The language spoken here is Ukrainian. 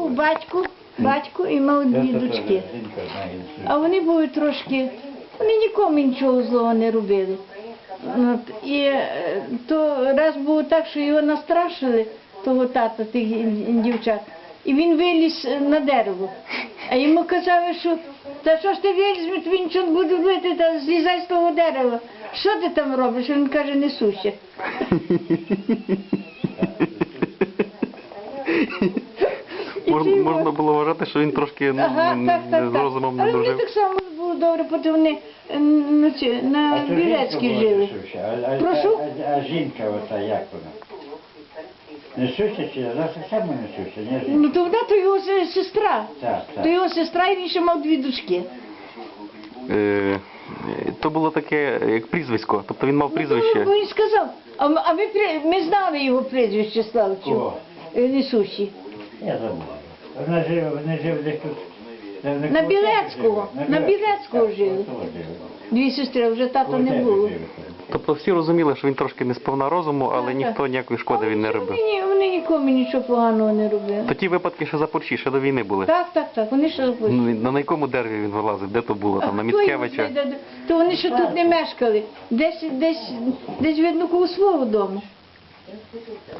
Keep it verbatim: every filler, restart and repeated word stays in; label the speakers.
Speaker 1: був батько, батько і мав дві дочки. А вони були трошки, вони нікому нічого злого не робили. От, і е, то раз було так, що його настрашили, того тата, тих ін- дівчат, і він виліз на дерево. А йому казали, що та що ж ти виліз, тобі нічого не буде робити, та злізай з того дерева. Що ти там робиш? Він каже, несуся. І
Speaker 2: Мож-
Speaker 1: ти його-
Speaker 2: Можна було вважати, що він трошки ну,
Speaker 1: Ага,
Speaker 2: не-
Speaker 1: так, так,
Speaker 2: не з
Speaker 1: так.
Speaker 2: розумом не
Speaker 1: Але вони
Speaker 2: дружив.
Speaker 1: так само було добре, бо вони е, на, ці, на Білецькій жили. Прошу?
Speaker 3: А, а жінка ота як вона? Несуся чи вона так само несуся? Не жінка?
Speaker 1: Ну то вона то його се- сестра.
Speaker 3: Так, так.
Speaker 1: То його сестра, і він ще мав дві дочки.
Speaker 2: Е, То було таке, як прізвисько. Тобто він мав прізвище.
Speaker 1: Ну, він сказав, а, м- а ми, при- ми знали його прізвище Славчу.
Speaker 3: Кого?
Speaker 1: Е, Несущі.
Speaker 3: Я забув. Вона жила, вони жили десь тут. де вони
Speaker 1: На
Speaker 3: коло
Speaker 1: Білецького,
Speaker 3: жили.
Speaker 1: на Білецького
Speaker 3: Так,
Speaker 1: жили.
Speaker 3: коло жили.
Speaker 1: Дві сестри, а вже тата
Speaker 3: Коло
Speaker 1: не
Speaker 3: тебе
Speaker 1: було.
Speaker 3: жили.
Speaker 2: Тобто всі розуміли, що він трошки не сповна розуму, але
Speaker 1: Так,
Speaker 2: ніхто
Speaker 1: так.
Speaker 2: ніякої шкоди він не робив.
Speaker 1: Вони, ні- вони нікому нічого поганого не робили.
Speaker 2: То ті випадки ще за Порчі, ще до війни були.
Speaker 1: Так, так, так, вони ще забули.
Speaker 2: Ну, На якому дереві він вилазив? Де то було? Там на
Speaker 1: А хто його
Speaker 2: Міцкевича?
Speaker 1: знайде? То вони ще тут не мешкали. Десь, десь, десь видно, коло свого дому.